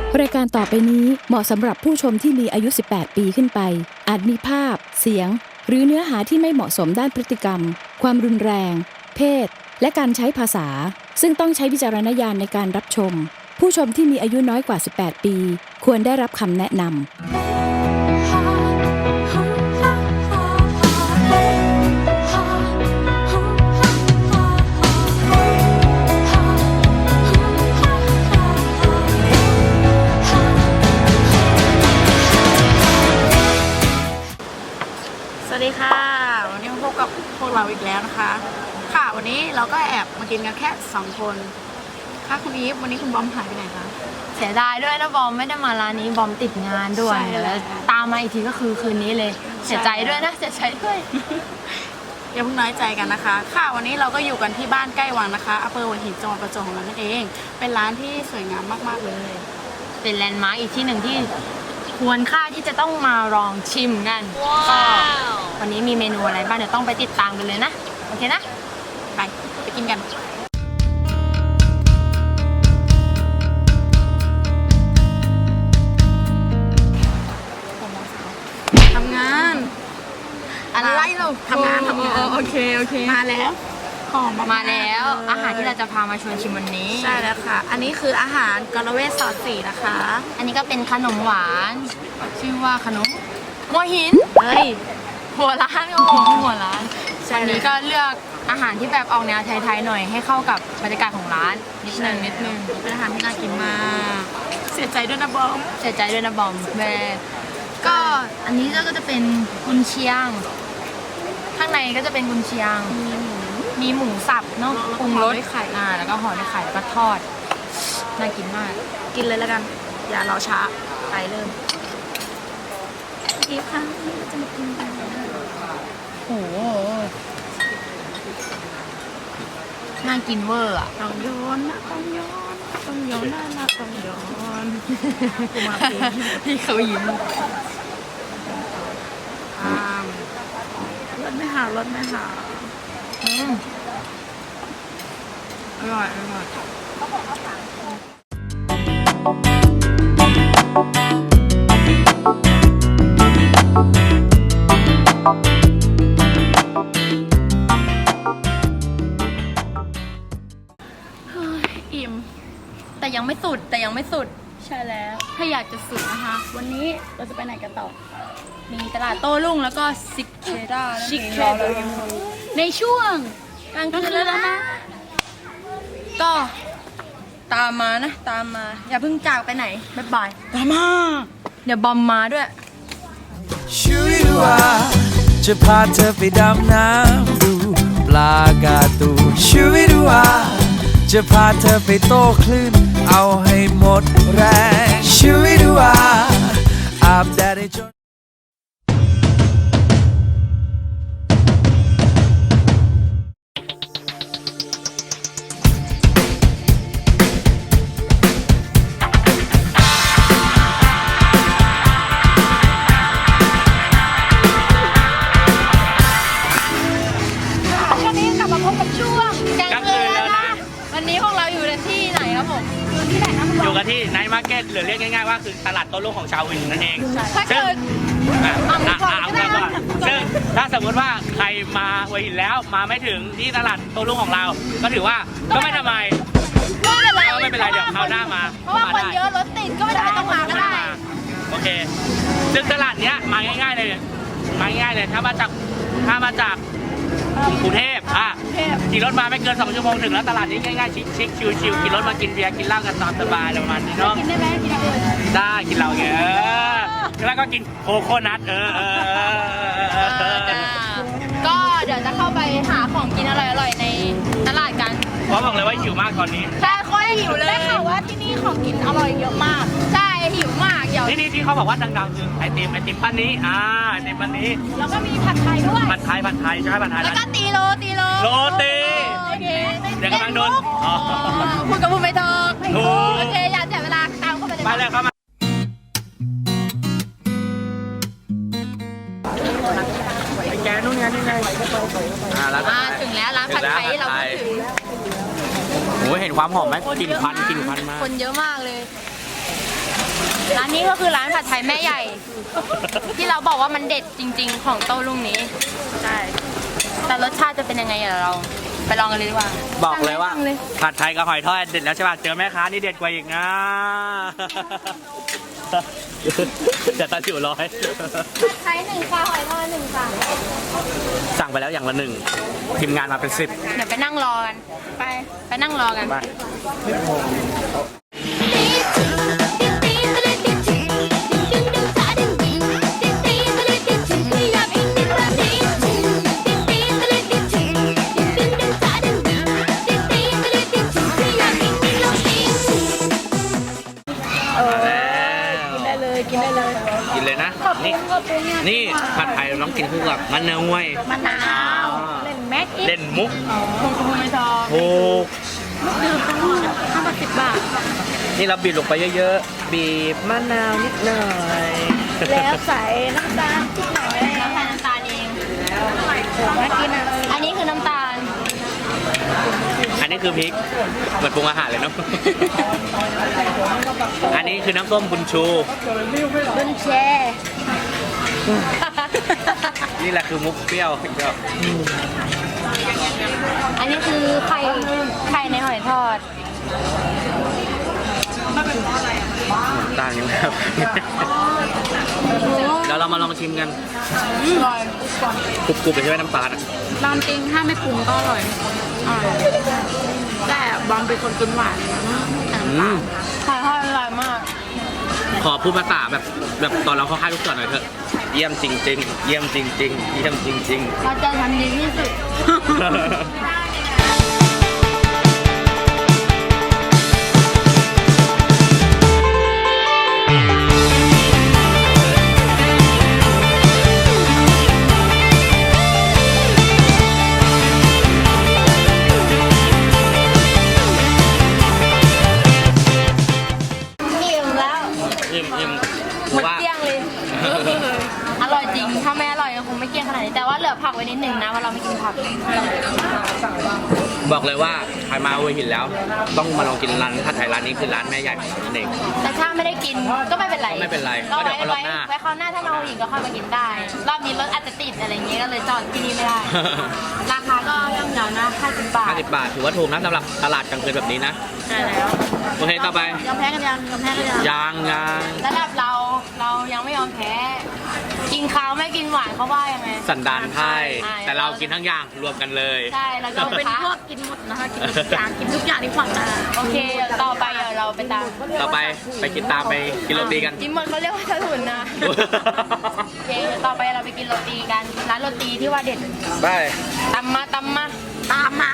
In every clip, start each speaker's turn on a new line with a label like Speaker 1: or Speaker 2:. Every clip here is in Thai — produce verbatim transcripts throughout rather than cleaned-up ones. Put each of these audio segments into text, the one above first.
Speaker 1: รายการต่อไปนี้เหมาะสำหรับผู้ชมที่มีอายุ สิบแปด ปีขึ้นไป อาจมีภาพ เสียง หรือเนื้อหาที่ไม่เหมาะสมด้านพฤติกรรม ความรุนแรง เพศ และการใช้ภาษา ซึ่งต้องใช้วิจารณญาณในการรับชม ผู้ชมที่มีอายุน้อยกว่า สิบแปด ปี ควรได้รับคำแนะนำ
Speaker 2: สวัสดีค่ะวันนี้มาพบกับพวกเราอีกแล้วนะคะค่ะวันนี้เราก็แอบมากินกันแค่สองคนค่ะคุณอีฟวันนี้คุณบอมหายไปไหนคะ
Speaker 3: เสียดายด้วยนะบอมไม่ได้มาร้านนี้บอมติดงานด้วยแล้วตามมาอีกทีก็คือคืนนี้เลยเสียใจด้วยนะเสียใจด้วย
Speaker 2: อย่าเพิ่งน้อยใจกันนะคะค่ะวันนี้เราก็อยู่กันที่บ้านใกล้วังนะคะอำเภอหัวหินจังหวัดประจวบของเรานั่นเองเป็นร้านที่สวยงามมากๆเลย
Speaker 3: เป็นแลนด์มาร์คอีกที่หนึ่งที่ควรค่าที่จะต้องมาลองชิมกันก็วันนี้มีเมนูอะไรบ้างเดี๋ยวต้องไปติดตามกันเลยนะโอเคนะ
Speaker 2: ไปไปกินกันทำงานอะไรเราทำงานทำงาน
Speaker 3: โอเคโอเค
Speaker 2: มาแล้วหอม
Speaker 3: มาแล้วอาหารที่เราจะพามาชวนชิมวันนี้
Speaker 2: ใช่แล้วค่ะอันนี้คืออาหารกะละเวทซอสสีนะคะ
Speaker 3: อันนี้ก็เป็นขนมหวานชื่อว่าขนมหัวหิน
Speaker 2: เฮ้ย
Speaker 3: หัวร้านโอ้โหหัวร้านวันนี้ก็เลือกอาหารที่แบบออกแนวไทยๆหน่อยให้เข้ากับบรรยากาศของร้านนิดนึงนิดนึง
Speaker 2: เป็นอาหารที่น่ากินมากเสียใจด้วยนะบอม
Speaker 3: เสียใจด้วยนะบอมแม่ก็อันนี้ก็จะเป็นกุนเชียงข้างในก็จะเป็นกุนเชียงมีหมูสับเนาะปรุงรสไข่อ่าแล้วก็ห่อด้วยไข่แล้วก็ทอดน่ากินมาก
Speaker 2: กินเลยแล้วกันอย่ารอช้าไปเริ่มอีฟค่ะจะมากินกัน
Speaker 3: โอ้โหน่ากินเวอร์อ่ะ
Speaker 2: ต้องย้อนนะต้องย้อนต้องย้อนนะนะต้องย้อนกูมาเอง
Speaker 3: ที่เขายิ้ม
Speaker 2: อ่ารสไม่หารสไม่หา
Speaker 3: อืมอร่อยอร่อย
Speaker 2: อิ่ม
Speaker 3: แต่ยังไม่สุดแต่ยังไม่สุด
Speaker 2: ใช่แล้วถ้าอยากจะสุดนะคะวันนี้เราจะไปไหนกันต่อ
Speaker 3: มีตลาดโต้รุ่งแล้วก็ซิกเคด้า
Speaker 2: ซิกเคด้าในช่วงกลางคืนแล้วนะ
Speaker 3: ก็ตามมานะตามมาอย่าเพิ่งจากไปไหนบ๊ายบาย
Speaker 2: ตามมา
Speaker 3: เดี๋ยวบอมมาด้วย
Speaker 4: ช่วยดูว่าจะพาเธอไปดำน้ำดูปลากาตูช่วยดูว่าจะพาเธอไปโต้คลื่นเอาให้หมดแรงช่วยดูว่าอาบแดดให้จน
Speaker 5: อยู่กันที่ไนท์มาร์เก็ตหรือเรียกง่ายๆว่าคือตลาดโต้รุ่งของชาววินนั่นเองซึ่งซึ่งถ้าสมมติว่าใครมาหัวหินแล้วมาไม่ถึงที่ตลาดโต้รุ่งของเราก็ถือว่าก็ไม่ทำไม
Speaker 3: ก็ไม่เป็นไร
Speaker 5: ก็ไม่เป็นไรเดี๋ยวคราวหน้ามา
Speaker 3: เพราะว่าคนเยอะรถติดก็ไม่ต้องมาก็ได้
Speaker 5: โอเคซึ่งตลาดเนี้ยมาง่ายๆเลยมาง่ายๆเลยถ้ามาจากถ้ามาจากกรุงเทพอ่ะขี่รถมาไม่เกินสองชั่วโมงถึงแล้วตลาดนี้ง่ายๆชิคๆชิวๆขี่รถมากินเบียร์กินเหล้ากันตามสบายประมาณนี้เนาะ
Speaker 3: กินได้ไหมกินอะไร
Speaker 5: ได้กินเหล้าเงี้ยแล้วก็กินโคโคนัทเออเออ
Speaker 3: ก็เดี๋ยวจะเข้าไปหาของกินอร่อยๆในตลาดกัน
Speaker 5: เพราะบอกเลยว่าหิวมากตอนนี้
Speaker 3: ใช่ค่อยหิวเลย
Speaker 2: ได้ข่าวว่าที่นี่ของกินอร่อยเยอะมาก
Speaker 3: ใช่หิวมากเดี๋ยว
Speaker 5: ที่นี่ที่เขาบอกว่าดังๆคือไอติมไอติมปั้นนี้อ่าไอติมปั้นนี้
Speaker 2: แล้วก็มีผัดไทยด้วย
Speaker 5: ผัดไทยผัดไทยใช่ผัดไทย
Speaker 3: แล้วก็ตีโรตีโร
Speaker 5: โรตี
Speaker 3: โอเค
Speaker 5: เดี๋ยวกำลังโดน
Speaker 3: พูดกับพูดไม่ถูกโอเคอย่าเสียเวลาตามเข้าไปเลย
Speaker 5: ไปเลยเข้ามาแกนู่นไงนี่ไง
Speaker 3: อ่าถึงแล้วร้านผัดไทยเราก็ถึง
Speaker 5: โอ้เห็นความหอมไหมกลิ่นควันกลิ่นควันมาก
Speaker 3: คนเยอะมากเลยร้านนี้ก็คือร้านผัดไทยแม่ใหญ่ ที่เราบอกว่ามันเด็ดจริง ๆ ของโต้รุ่งนี้
Speaker 2: ใช่
Speaker 3: แต่รสชาติจะเป็นยังไงเดี๋ยวเราไปลองกันเลยดีกว่า
Speaker 5: บอกเลยว่าผัดไทยกับหอยทอดเด็ดแล้วใช่ป่ะเจอแม่ค้านี่เด็ดกว่าอีกนะ เดี๋ยวตาจิ๋วร้อย
Speaker 3: ไทยหนึ่งค่ะหอยทอดหนึ่งค่ะ
Speaker 5: สั่งไปแล้วอย่างละหนึ่งทีมงานมาเป็นสิบ
Speaker 3: เดี๋ยวไปนั่งรอกัน ไป ไปนั่งรอกัน
Speaker 5: มา
Speaker 2: ได้เลยกินได้เลย
Speaker 5: กินเลยนะ นี่นี่ผัดไทยเราต้องกินคู่กับมะนาวห้วย
Speaker 2: มะนาวเล่นแม็กอีก
Speaker 5: เล่นมุก
Speaker 2: คงคงไม่ชอบ
Speaker 5: ถูก
Speaker 2: ลูกดื่มทั้งหมดห้าบาทสิบบาท
Speaker 5: นี่เราบีบลงไปเยอะๆ บีบมะนาวนิดหน่อย
Speaker 2: แล้วใส่น้ำตาลนิดหน่อย
Speaker 3: แล้วใส่น้ำตาลเอง
Speaker 2: น่ากินอ่ะ
Speaker 3: อันนี้คือน้ำตาล
Speaker 5: อันนี้คือพริกเหมือนปรุงอาหารเลยเนาะ อันนี้คือน้ำส้มบุญชู
Speaker 3: บุญแชร์
Speaker 5: นี่แหละคือมุกเปรี้ยวก็
Speaker 3: อันนี้คือไข่ ไข่ในหอยทอด
Speaker 5: ต่างกันครับแล้วเรามาลองชิมกัน
Speaker 2: อร่อย
Speaker 5: กรุบๆเลยใช่ไหมน้ำตาลอะ
Speaker 2: ตามจริงถ้าไม่ปรุงก็อร่อยอร่อยแต่บอมเป็นคนกินหวานแต่
Speaker 5: อื
Speaker 2: น้ำตาล
Speaker 5: ม
Speaker 3: หอยทอดอร่อยมาก
Speaker 5: ขอพูดภาษาแบบแบบตอนเราเข้าค่ายลูกเสือหน่อยเถอะ เยี่ยมจริงๆ เยี่ยมจริงๆ เยี่ยมจริง
Speaker 3: เราจะทำดีที่สุด
Speaker 5: ๆ
Speaker 3: อิ่มแล้ว
Speaker 5: อิ่มอิ่ม
Speaker 3: หมด
Speaker 5: ว่า
Speaker 3: เกลี้ยงเลย อร่อยจริง ถ้าไม่อร่อยก็คงไม่เกลี้ยงขนาดนี้ แต่ว่าเหลือผักไว้นิดหนึ่งนะเพราะเราไม่กินผัก
Speaker 5: บอกเลยว่าใครมาหัวหินแล้ว ต้องมาลองกินร้านผัดไทยร้านนี้คือร้านแม่ใหญ่นั่นเอง
Speaker 3: แต่ถ้าไม่ได้กินก็ไม่เป็นไร
Speaker 5: ก็ไม่เป็นไร
Speaker 3: ก็
Speaker 5: ก็เดี๋ยว
Speaker 3: ไว้
Speaker 5: เอารอบ
Speaker 3: ไว้
Speaker 5: หน้า
Speaker 3: ไว้คราวหน้าถ้ามาหัวหินก็ค่อยมากินได้ รอบนี้รถอาจจะติดอะไรอย่างเงี้ยก็เลยจอดที่นี่ไม่ได้ ราคาก็ย่อมเยานะห้าสิบบาท
Speaker 5: ห้าสิบบาทถือว่าถูกนะสำหรับตลาดกลางคืนแบบนี้นะ
Speaker 3: ใช่แล้ว
Speaker 5: โอเคต่อไป
Speaker 2: ยอมแพ้กันยังยอมแพ้กันยัง
Speaker 5: ยางยาง
Speaker 3: ระดับเราเรายังไม่ยอมแพ้ กินข้าวไม่กินหวานเขาว่ายังไง
Speaker 5: สันดานไพ่
Speaker 3: ใช่
Speaker 5: แต่เรากินทั้งอย่างรวมกันเลย
Speaker 3: ใช่แล้วก็
Speaker 2: เราเป็นพวกกินหมดนะคะกินทุกอย่างกินทุกอย่างที่ขวางหน้า
Speaker 3: โอเคเดี๋ยวต่อไปเดี๋ยวเราไปตาม
Speaker 5: ต่อไปไปกินตามไปกินโรตีกัน
Speaker 3: จิมมอนเขาเรียกว่าถนนนะ โอเคเดี๋ยวต่อไปเราไปกินโรตีกัน ร้านโรตีที่ว่าเด็ด
Speaker 5: ไป
Speaker 3: ตำมาตำมา
Speaker 2: ตามมา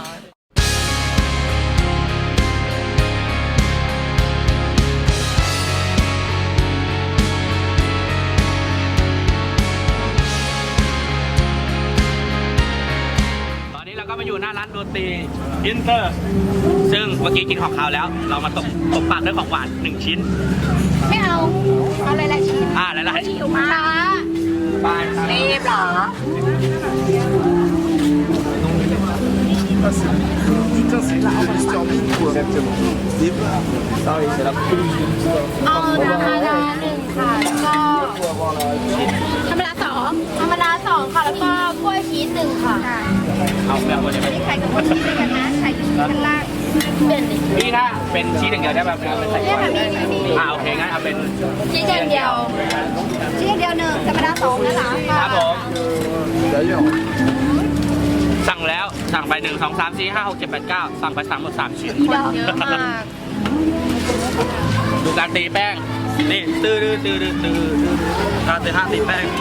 Speaker 5: ตอนนี้เราก็มาอยู่หน้าร้านโรตีอินเตอร์ ซึ่งเมื่อกี้กินของคาวแล้ว เรามาตบตบปากด้วยของหวานหนึ่งชิ้น
Speaker 3: ไม่เอา เอาหลายๆชิ้น
Speaker 5: อ่าหลายๆชิ้น
Speaker 3: หิวมาก
Speaker 5: ไป
Speaker 3: รีบเหรอ เอาน้ำมาดาหนึ่งค่ะแล้วก็
Speaker 2: ธรรมดาสอง
Speaker 3: ธรรมดาสองค่ะ แล้วก็กล้วยชีสหนึ่งค่ะ
Speaker 5: เอาแบบวันนี้
Speaker 2: ไข่กับคนที่ด้วยกันนะไข่ที่ชั้นล่าง
Speaker 3: เด่นดิ
Speaker 5: พี่ถ้าเป็นชีสอย่างเดียวได้แบบไม่ใส่
Speaker 2: เนี่ยค่ะมีมีมี
Speaker 5: อ่าโอเคงั้นเอาเป็น
Speaker 3: ชีสอย่างเดียว
Speaker 2: ชิ้นเดียวหนึ่งธรรมดาสองนะคะ
Speaker 5: ครับผมสั่งแล้วสั่งไปหนึ่งสองสามสี่ห้าหกเจ็ดแปดเก้าสั่งไปสามหมดสามชิ้น
Speaker 3: เยอะมาก
Speaker 5: ดูการตีแป้ง นี่ตื้อตื้อตื้อตื้อตื้อการตีห้าตีแป้ง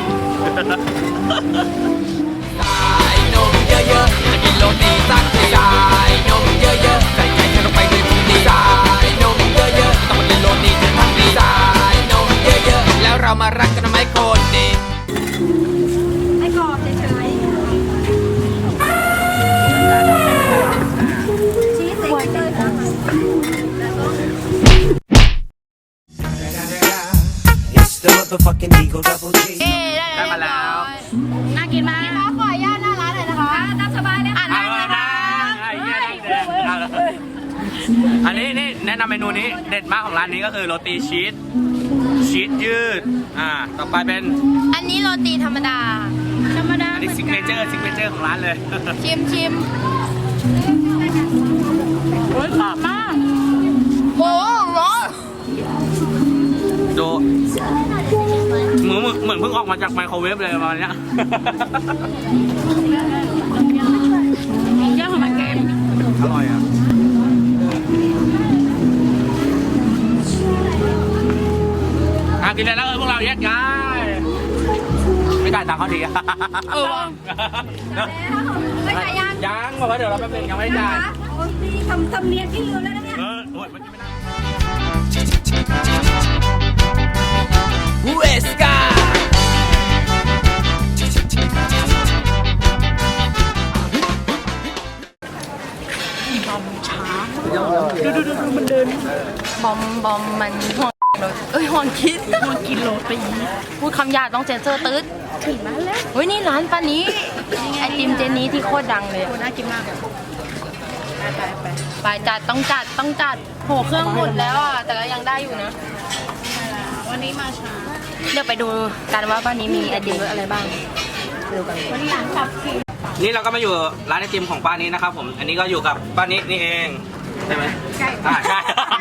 Speaker 4: สายนมเยอะๆจะกินโรตีสักทีสายนมเยอะๆใส่ใจฉันลงไปด้วยพุงดีสายนมเยอะๆต้องมากินโรตีจนทั้งดีสายนมเยอะๆแล้วเรามารักกันทำไมคนดี
Speaker 2: ให้กรอบเฉยๆชีสใส่เกลือ
Speaker 6: It's the motherfucking Eagle Double G.
Speaker 3: เอ๊ได้
Speaker 5: ได้มาแล้ว
Speaker 2: น่ากินมาก
Speaker 3: ขอขออนุญาตหน้าร้านหน่อยนะคะ
Speaker 2: น่าสบายเลยค่ะ
Speaker 5: เอาละนะไอ้เหี้ยนั่งแดงเอาละอันนี้นี่แนะนำเมนูนี้เด็ดมากของร้านนี้ก็คือโรตีชีสชีสยืดอ่าต่อไปเป็น
Speaker 3: อันนี้โรตีธรรมดา
Speaker 2: ธรรมดา
Speaker 5: อันนี้ซิกเนเจอร์ซิกเนเจอร์ของร้านเลย
Speaker 3: ชิมชิม
Speaker 2: โอ้ยกรอบมาก
Speaker 3: โอ้ร้อน
Speaker 5: ดูเหมือนเหมือนเพิ่งออกมาจากไมโครเวฟเลยประมาณเนี้ย
Speaker 2: เจ้าของมันเกม
Speaker 5: อร่อยอ่ะอ่ะกินเลยแล้วเออพวกเราแยกย้ายไม่ได้ตังค์เขาทีอะ
Speaker 2: เออว่ะ
Speaker 3: ไม่ใช่ยัง
Speaker 5: ยังบอกว่าเดี๋ยวเราแป๊บนึงยังไม่ได้จ่าย
Speaker 7: โอ้ยนี่ทำทำเนียนที่ลืมแล้วนะเนี่ย
Speaker 5: เออโอ้ยมันกินไม่ได้
Speaker 4: เวสกา
Speaker 3: บอมบอมมันห่วงรถเอ้ยห่วงคิด
Speaker 2: มันกินโรตี
Speaker 3: พูดคำหยาบต้องเซ็นเซอร์ตืด
Speaker 2: ถึงร้านแล้ว
Speaker 3: เฮ้ยนี่ร้านป้านี้ไอติมเจนนี้ที่โคตรดังเลยอะ
Speaker 2: น่ากินมากเลยไปไปไป
Speaker 3: ไปจัดต้องจัดต้องจัดโหเครื่องหมดแล้วอ่ะแต่ก็ยังได้อยู่นะ
Speaker 2: วันนี้มาช้า
Speaker 3: เดี๋ยวไปดูกันว่าป้านี้มีไอติมรสอะไรบ้างดูกัน
Speaker 2: วันนี้หลังกลับกิน
Speaker 5: นี่เราก็มาอยู่ร้านไอติมของป้านี้นะครับผม อันนี้ก็อยู่กับป้านี้นี่เองใช่ไหม
Speaker 2: ใช่
Speaker 5: อ่าใช่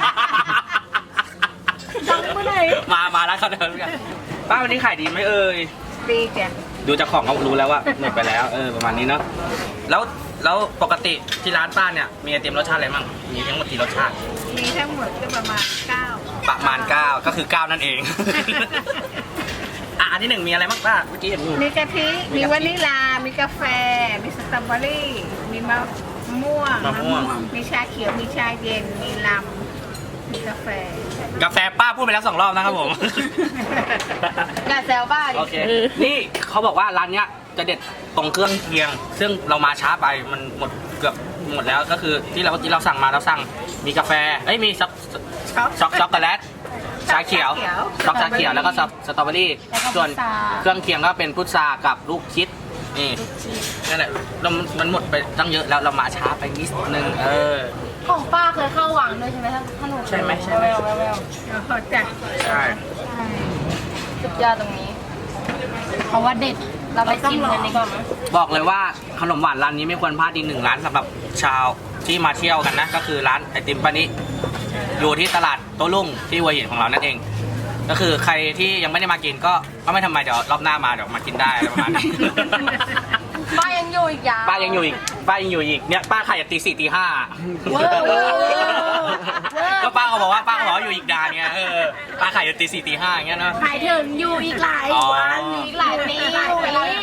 Speaker 2: ดังเมื่อไหร่
Speaker 5: มามาร้านเขาเดิมกันป้าวันนี้ขายดีไหมเอ่ย
Speaker 2: ดีแก
Speaker 5: ดูจากของก็รู้แล้วว่าหมดไปแล้วเออประมาณนี้เนาะแล้วแล้วปกติที่ร้านป้าเนี่ยมีไอติมรสชาติอะไรบ้างมีทั้งหมดกี่รสชาติ
Speaker 2: มีทั้งหมดก็ประมาณเก้า
Speaker 5: ประมาณเก้าก็คือเก้านั่นเอง อ่ะอันที่หนึ่งมีอะไรบ้างป้าเมื่อกี้เห็นอยู่
Speaker 2: มีกะทิ มีวานิลา มีกาแฟ มีสตรอเบอรี่ มีมะม่วง
Speaker 5: มะม่วง
Speaker 2: มีชาเขียว มีชาเย็น มีลำ มีกาแฟ
Speaker 5: กาแฟป้าพูดไปแล้วสองรอบนะครับผม
Speaker 3: อย่าแซวป้าดิ
Speaker 5: โอเค นี่เขาบอกว่าร้านเนี้ยจะเด็ดตรงเครื่องเคียง ซึ่งเรามาช้าไปมันหมดเกือบหมดแล้วก็คือที่เราที่เราสั่งมาเราสั่งมีกาแฟเอ้ยมีช็อก
Speaker 2: ช็อก
Speaker 5: ช็อกช็อกโกแลตชาเขียวช็อกชาเขียวแล้วก็สสตรอเบอรี่ส่วนเครื่องเคียงก็เป็นพุทรากับลูกชิดนี่นั่นแหละเรามันหมดไปตั้งเยอะแล้วเรามาช้าไปนิดนึงเออ
Speaker 3: ของป้าเคยเข้าหวังด้วยใช่ไหมถ้าถ้าหนู
Speaker 5: ใช่ไหมใช่ไหม
Speaker 3: แววแววแวว
Speaker 2: แล้วก็จัด
Speaker 5: ใช่
Speaker 3: สุดยอดตรงนี้เพราะว่าเด็ดเราไปชิมกันดีกว่ามั้ย
Speaker 5: บอกเลยว่าขนมหวานร้านนี้ไม่ควรพลาดอีกหนึ่งร้านสำหรับชาวที่มาเที่ยวกันนะก็คือร้านไอติมป้านิอยู่ที่ตลาดโต้รุ่งที่หัวหินของเรานั่นเอง ก็คือใครที่ยังไม่ได้มากินก็ก็ไม่ทำไมเดี๋ยวรอบหน้ามาเดี๋ยวมากินได้อะไรประมาณนี้
Speaker 3: ป้ายังอยู่อีกยาว
Speaker 5: ป้ายังอยู่อีกป้ายังอยู่อีกเนี่ยป้าขายจากตีสี่ตีห้า
Speaker 3: เวอร์เวอร์เวอร์
Speaker 5: ก็ป้าเขาบอกว่าป้าเขาบอกว่าอยู่อีกนานไงเออป้าขายจากตีสี่ตีห้าอย่างเงี้ยเนาะ
Speaker 2: หมายถึงอยู่อีกหลาย
Speaker 5: อ๋อ
Speaker 2: วันอีกหลายปี
Speaker 3: หลายปี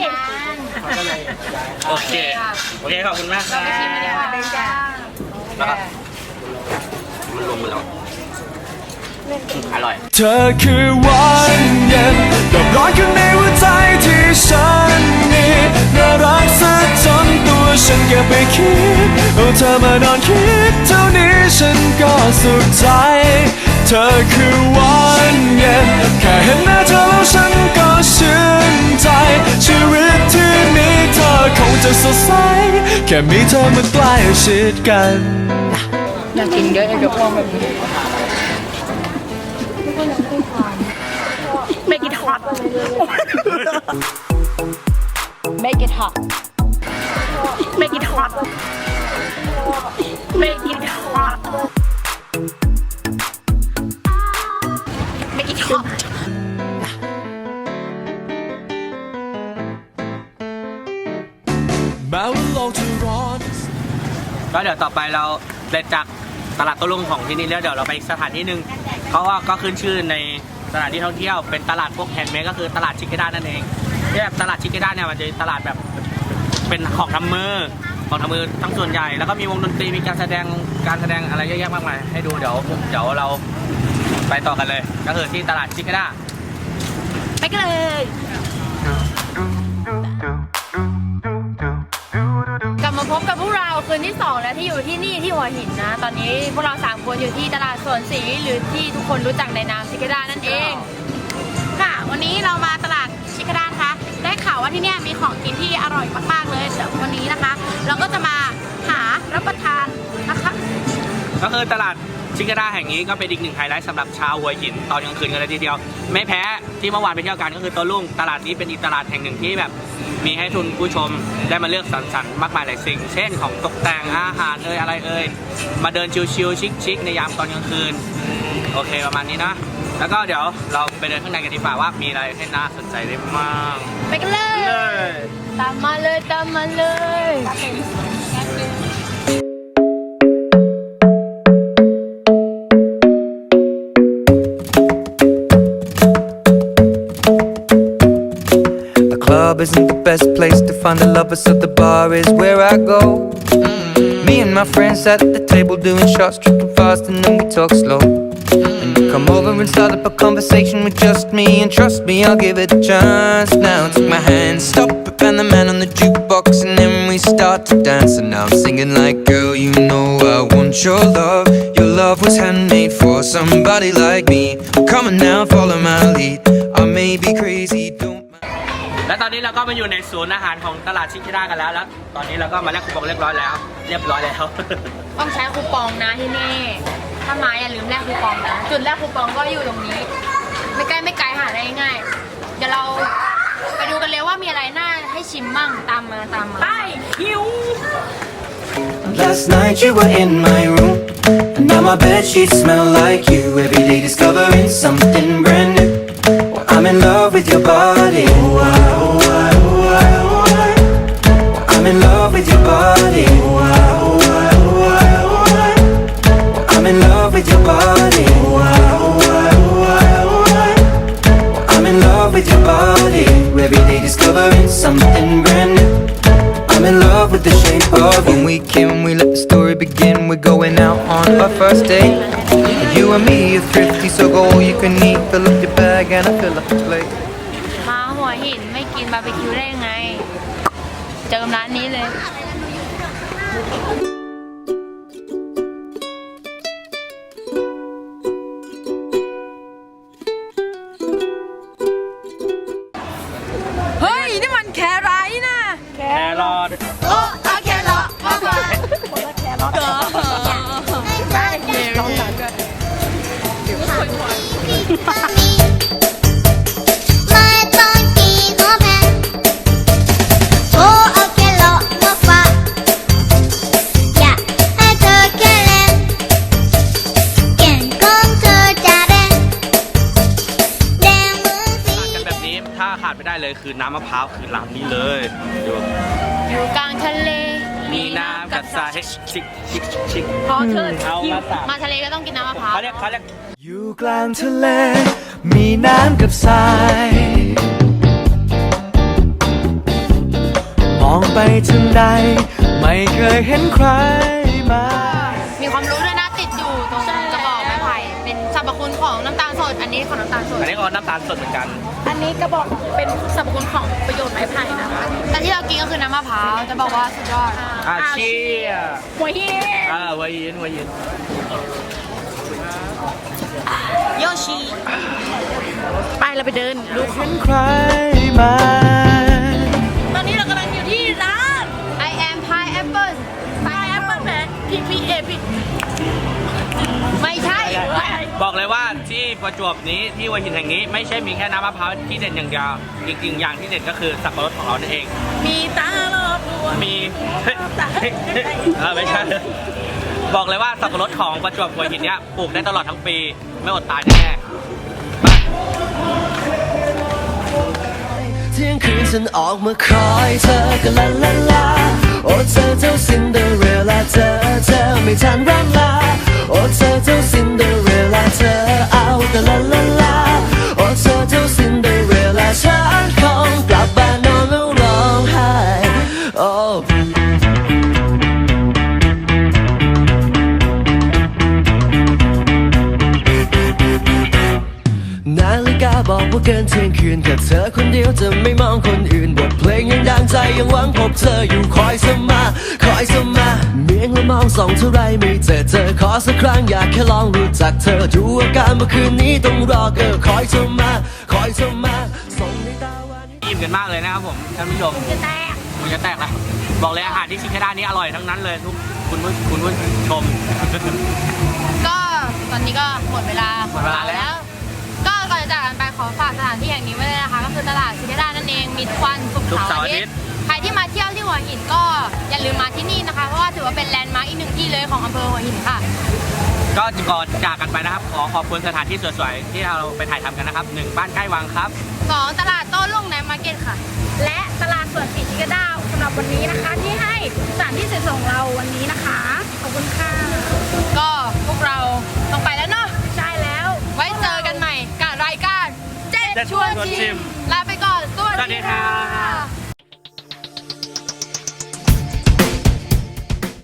Speaker 5: โอเคโอเคขอบคุณมากครับ
Speaker 3: ไปชิมกันดีกว่าจ้า
Speaker 5: แล้วก็มันรวมกันแล้วอร่อย
Speaker 4: เธอคือวันเย็นดอกร้อนข้างในหัวใจที่ฉันมีน่ารักซะจนตัวฉันเก็บไปคิดเอาเธอมานอนคิดเท่านี้ฉันก็สุขใจ เธอคือวันเย็นแค่เห็นหน้าเธอแล้วฉันก็ชื่นใจชีวิตที่มีเธอคงจะสดใสแค่มีเธอมาใกล้ชิดกัน
Speaker 3: อยากกินเยอะเลยกับพวกแบบนี้
Speaker 2: Make it hot
Speaker 3: Make it hot
Speaker 2: Make it hot Make it hot Make it hot
Speaker 4: แม้ว่าโลกจะร้อน
Speaker 5: ก็เดี๋ยวต่อไปเราเดินจากตลาดโต้รุ่งของที่นี่แล้วเดี๋ยวเราไปอีกสถานที่หนึ่งเขาว่าก็ขึ้นชื่อในสถานที่ท่องเที่ยวเป็นตลาดพวกแฮนด์เมดก็คือตลาดชิคเกด้านั่นเองที่แบบตลาดชิคเกด้าเนี่ยมันจะตลาดแบบเป็นของทำมือของทำมือทั้งส่วนใหญ่แล้วก็มีวงดนตรีมีการแสดงการแสดงอะไรเยอะแยะมากมายให้ดูเดี๋ยวเดี๋ยวเราไปต่อกันเลย ก็คือที่ตลาดชิคเกด้า
Speaker 2: ไปกันเลย
Speaker 3: กลับมาพบกับพวกเราคืนที่สองแล้วที่อยู่ที่นี่ที่หัวหินนะ ตอนนี้พวกเราสามคนอยู่ที่ตลาดสวนศรีหรือที่ทุกคนรู้จักในนามชิคด้านั่นเอง
Speaker 2: ค่ะ วันนี้เรามาตลาดชิคกด้านะคะ ได้ข่าวว่าที่เนี่ยมีของกินที่อร่อยมากๆเลยเดี๋ยววันนี้นะคะ เราก็จะมาหารับประทานนะคะ
Speaker 5: ก็คือตลาดชิคาด้าแห่งนี้ก็เป็นอีกหนึ่งไฮไลท์สำหรับชาวหัวหินตอนกลางคืนกันเลยทีเดียวไม่แพ้ที่เมื่อวานไปเที่ยวกันก็คือโต้รุ่งตลาดนี้เป็นอีกตลาดแห่งหนึ่งที่แบบมีให้ทุนผู้ชมได้มาเลือกสรรสรรค์มากมายหลายสิ่ง เช่นของตกแต่งอาหารเอ่ยอะไรเอ่ยมาเดินชิลๆชิคๆในยามตอนกลางคืนโอเคประมาณนี้นะแล้วก็เดี๋ยวเราไปเดินข้างในกันดีกว่าว่ามีอะไรให้น่าสนใจได้บ้าง
Speaker 3: ไปกันเลย
Speaker 5: เลย
Speaker 3: ตามมาเลยตามมาเลย
Speaker 4: The club isn't the best place to find the lovers, so the bar is where I go. Me and my friends at the table doing shots, tripping fast, and then we talk slow. And you come over and start up a conversation with just me, and trust me, I'll give it a chance. Now take my hand, stop it, and the man on the jukebox, and then we start to dance. And now I'm singing like, girl, you know I want your love. Your love was handmade for somebody like me. Come on now, follow my lead. I may be crazy, don't.
Speaker 5: และตอนนี้เราก็มาอยู่ในศูนย์อาหารของตลาดชิคาด้ากันแล้วแล้วตอนนี้เราก็มาแลกคูปองเรียบร้อยแล้วเรียบร้อยแล้ว
Speaker 3: ต้องใช้คูปองนะที่นี่ถ้ามาอย่าลืมแลกคูปองนะจุดแลกคูปองก็อยู่ตรงนี้ไม่ใกล้ไม่ไกลหาได้ง่ายเดี๋ยวเราไปดูกันเลยว่ามีอะไรน่าให้ชิมมั่งตามมาตามมาไปหิว
Speaker 4: Last night you were in my room, and now my bedsheets smell like you. Every day discovering something brand new. Well, I'm in love with your body. Oh, I, oh, I, oh, I, oh, I. Well, I'm in love with your body. Oh, I, oh, I, oh, I, oh, I. Well, I'm in love with your body. Oh, I, oh, I, oh, I, oh, I. Well, I'm in love with your body. Every day discovering something brand new. I'm in love with the shape of when we came, we let the story begin. We're going out on our first date. You and me are thrifty, so go all you can eat. Fill up your bag and I fill up the plate.
Speaker 3: มาหัวหินไม่กินบาร์บีคิวได้ยังไงเจอกับร้านนี้เลยเฮ้ยนี่มันแครายนะ
Speaker 5: แครอท
Speaker 3: โอ้เอาแครอทมาก่อนได้เดี๋ยว
Speaker 8: ไม่ต้องกีโนแพนโอ้เอาแค่หลอกมาฝากอยากให้เธอแค่เล่นเก่งของเธอจะเด่นแดงมือสี
Speaker 5: กันแบบนี้ถ้าขาดไม่ได้เลยคือน้ำมะพร้าวคือร้านนี้เลยดู
Speaker 3: อยู่กลางทะเล
Speaker 5: มีน้ำกับทรายให้ชิคชิคชิค
Speaker 3: พอเธอ
Speaker 5: เอามาสาม
Speaker 3: มาทะเลก็ต้องกินน้ำมะพร้าว
Speaker 5: เขาเรียกเขาเรียก
Speaker 4: อยู่กลางทะเล มีน้ำกับทราย มองไปทางใด ไม่เคยเห็นใครมา
Speaker 3: มีความรู้ด้วยนะติดอยู่ตรงกระบอกไม้ไผ่เป็นสรรพคุณของน้ำตาลสดอันนี้ของน้ำตาลสด
Speaker 5: อันนี้ก็น้ำตาลสดเหมือนกัน
Speaker 2: อันนี้กระบอกเป็นสรรพคุณของประโยชน์ไม้ไผ่นะคะ
Speaker 3: แต่ที่เรากินก็คือน้ำมะพร้าวจะบอกว่าสุดยอด
Speaker 5: อาเชีย
Speaker 2: หัวหิน
Speaker 5: อ่าหัวยินหัวยิน
Speaker 2: โยชิไปเราไปเดินดู
Speaker 4: เห็นใครมา
Speaker 2: ตอนนี้เรากำลังอยู่ที่ร้าน
Speaker 3: I am pineapple
Speaker 2: ไ i แอปเปิลแมนพีพีเอพี
Speaker 3: ไม่ใช่
Speaker 5: บอกเลยว่าที่ประจวบนี้ที่หัวหินแห่งนี้ไม่ใช่มีแค่น้ำมะพร้าวที่เด่นอย่างเดียวอีกหนึ่งอย่างที่เด่นก็คือสับปะรดของเรานั่นเอง
Speaker 2: มีตาลอบดวง
Speaker 5: มีเฮ้ยเออไม่ใช่ บอกเลยว่าสับปะรดของประจวบหัวหินเนี้ยปลูกได้ตลอดทั้งปีไม่อดตายแน่ๆไป
Speaker 9: เที่ยงคืนฉันออกมาคอยเธอก็ลาลาลาโอ้เธอเจ้าซินเดอเรลล่าเธอเธอไม่ทันร่ำลาโอ้เธอเจ้าซินเดอเรลล่าเธอเอาแต่ลาลาลาโอ้เธอเจ้าซินเดอเรลล่าฉันคงกลับบ้านนอนแล้วร้องไห้โอ้นาฬิกาบอกว่าเกินเที่ยงคืนแค่เธอคนเดียวจะไม่มองคนอื่นบทเพลงยังดังใจยังหวังพบเธออยู่คอยเสมอคอยเสมอเมียงและมองส่องเท่าไรไม่เจอเธอขอสักครั้งอยากแค่ลองรู้จักเธอดูอาการเมื่อคืนนี้ต้องรอเกอคอยเสมอคอยเสมอส่งในตาวัน
Speaker 5: อิ่มกันมากเลยนะครับผมท่านผู้ชม
Speaker 2: จะแตก
Speaker 5: มันจะแตกแล้วบอกเลยอาหารที่ชิคาด้านี้อร่อยทั้งนั้นเลยทุกคุณผู้คุณผู้ชม
Speaker 3: ก็ตอนนี้ก็หมดเวลา
Speaker 5: หมดเวลาแล้ว
Speaker 3: ก็ก่อนจะจากกันไปขอฝากสถานที่แห่งนี้ไว้เลยนะคะ ก็คือตลาดซินเดอเรลล่านั่นเองมีทุกวันศุกร์
Speaker 5: ศุกร์
Speaker 3: เสา
Speaker 5: เสาร์
Speaker 3: ร์อา
Speaker 5: อาทิ
Speaker 3: ทิ
Speaker 5: ต
Speaker 3: ต
Speaker 5: ย์
Speaker 3: ย์ใครที่มาเที่ยวที่หัวหินก็อย่าลืมมาที่นี่นะคะ เพราะว่าถือว่าเป็นแลนด์มาร์คอีกหนึ่งที่เลยของอำเภอหัวหินค่ะ
Speaker 5: ก็ก่อนจากกันไปนะครับ ขอขอบคุณสถานที่สวยๆที่เราไปถ่ายทำกันนะครับหนึ่งบ้านใกล้วังครับ
Speaker 3: สองตลาดโต้รุ่งในมาร์เก็ตค่ะ
Speaker 7: และตลาดสดศรีชิกาดาวสำหรับวันนี้นะคะ ที่ให้สถานที่สวยๆของเราวันนี้นะคะ ขอบคุณค่ะ
Speaker 3: ก็พวกเราต้องไปแล้วเนาะ
Speaker 7: ใช่แล้ว
Speaker 3: ไว้เจอกันใหม่กับรายการเจ็ด
Speaker 5: เจ็ด
Speaker 3: ชวน
Speaker 5: ชวนชิ
Speaker 3: ชิม
Speaker 5: ม
Speaker 3: ลาไปก่อน สวัส
Speaker 5: สวัสดี
Speaker 3: ดี
Speaker 5: ครั
Speaker 3: ค่ะ
Speaker 5: บ